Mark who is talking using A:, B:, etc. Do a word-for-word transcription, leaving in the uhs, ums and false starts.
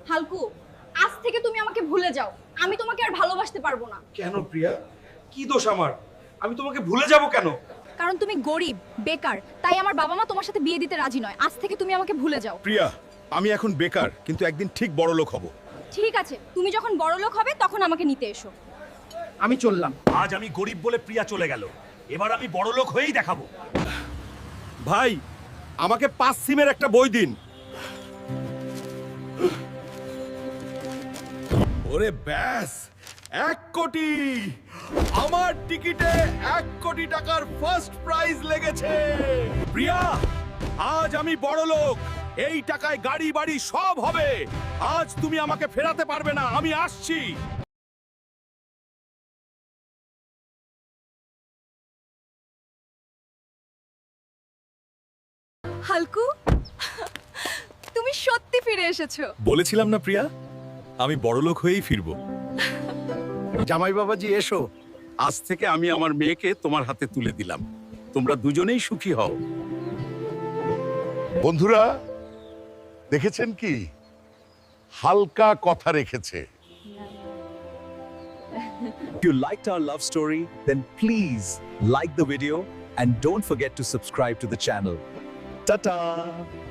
A: হালকু, আজ থেকে তুমি আমাকে ভুলে যাও। আমি তোমাকে আর ভালোবাসতে পারবো না।
B: কেন প্রিয়া? কি দোষ আমার? আমি তোমাকে ভুলে যাব কেন?
A: কারণ তুমি গরিব, বেকার, তাই আমার বাবা মা তোমার সাথে বিয়ে দিতে রাজি নয়। আজ থেকে তুমি আমাকে ভুলে যাও।
C: প্রিয়া, আমি এখন বেকার, কিন্তু একদিন ঠিক বড় লোক হব।
A: ঠিক আছে, তুমি যখন বড়লোক হবে তখন আমাকে নিতে এসো।
B: আমি চললাম।
D: আজ আমি গরিব বলে প্রিয়া চলে গেল, এবার আমি বড় লোক হয়েই দেখাবো।
C: ভাই, আমাকে পাঁচ সিমের একটা বই দিন। ওরে ব্যাস, এক কোটি! আমার টিকিটে এক কোটি টাকার ফার্স্ট প্রাইজ লেগেছে। প্রিয়া, আজ আমি বড় লোক। এই টাকায় গাড়ি বাড়ি সব হবে। আজ তুমি আমাকে ফেরাতে পারবে না, আমি আসছি।
A: হালকু, তুমি সত্যি ফিরে এসেছো।
C: বলেছিলাম না প্রিয়া, আমি বড় লোক হয়েই ফিরবো। জামাই বাবাজি এসো, আজ থেকে আমি আমার মেয়েকে তোমার হাতে তুলে দিলাম। তোমরা দুজনেই সুখী হও।
E: বন্ধুরা, দেখেছেন কি হালকা কথা রেখেছে।
F: If you liked our love story, then please like the video and don't forget to subscribe to the channel. Ta-ta!